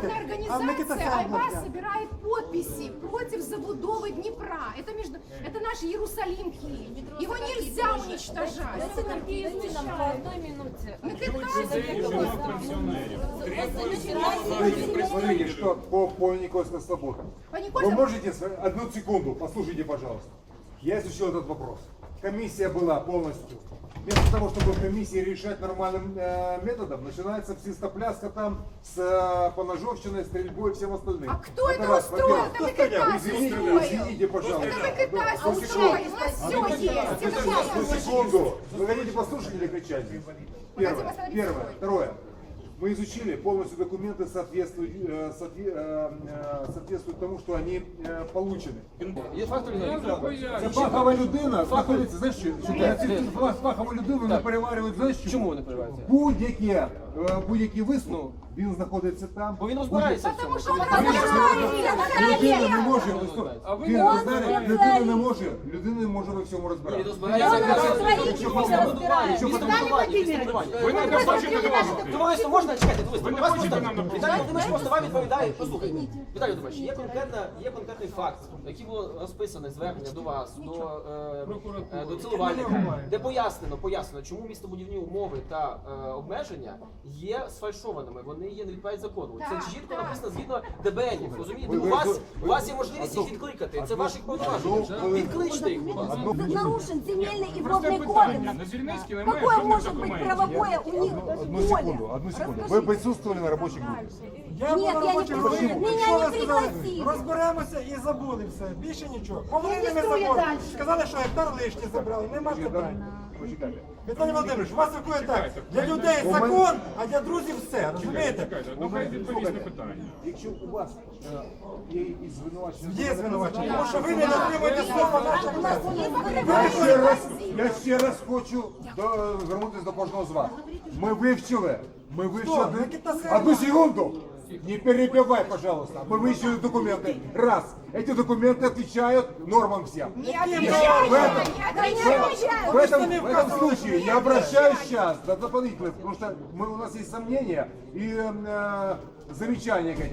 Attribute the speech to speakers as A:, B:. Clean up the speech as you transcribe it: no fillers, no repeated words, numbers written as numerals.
A: Международная организация Айваз собирает подписи против забудовы Днепра. Это наш Иерусалим Киев. Его нельзя уничтожать.
B: По одной минуте.
C: Смотрите, что по Никольской свободе. Вы можете одну секунду, послушайте, пожалуйста. Я изучил этот вопрос. Комиссия была полностью. Вместо того, чтобы в комиссии решать нормальным методом, начинается псистопляска там с поножовщиной, стрельбой и всем остальным.
A: А кто это устроил? Это Микитас устроил.
C: Извините, пожалуйста.
A: Это Микитас устроил. У нас все есть.
C: Одну секунду. Вы хотите послушать или кричать? Первое. Второе. Мы изучили полностью документы, соответствуют тому, що вони получені. Це фахова людина знаходиться, знаєш що? Фахову людину не переварюють, знаєш що?
D: Чому вони переварюються?
C: Будь-який висновок, він знаходиться там.
D: Бо він розбирається в цьому.
C: Людина не може, людина не може во всьому розбиратися.
D: Товариство, можна чекати? Віталій Володимирович просто вам відповідає. Послухайте, Віталій Володимирович, є конкретний факт, який було розписане звернення до вас, до цілувальника, де пояснено, чому містобудівні умови та обмеження є сфальшованими, вони є не відповідають закону. Це чітко написано згідно ДБНів, розумієте? У вас є можливість їх відкликати, це ваших повноважень. Відкличте їх, будь ласка.
B: Нарушен земельный и водный кодекс. Какое может быть правовое у них поле?
C: Одну секунду. Ви присутствували на робочій групі?
B: Нет, я не присутствую. Меня не пригласили.
E: Розберемося і забули все. Більше нічого. Повинні ми забули. Сказали, що гектар лишні забрали. Нема питань.
C: Почекайте.
E: Віталій Володимирович, у вас виходить так. Для людей закон, а для друзів все. Розумієте?
C: Якщо у вас є якісь звинувачення...
E: Є звинувачення. Тому що ви не дотримуєте слова нашого.
C: Я ще раз хочу звернутися до кожного з вас. Ми вивчили. Одну секунду. Не перебивай, пожалуйста. Мы выяснили документы. Раз. Эти документы отвечают нормам всем. В этом случае я обращаюсь сейчас до дополнительных, потому что у нас есть сомнения и замечания.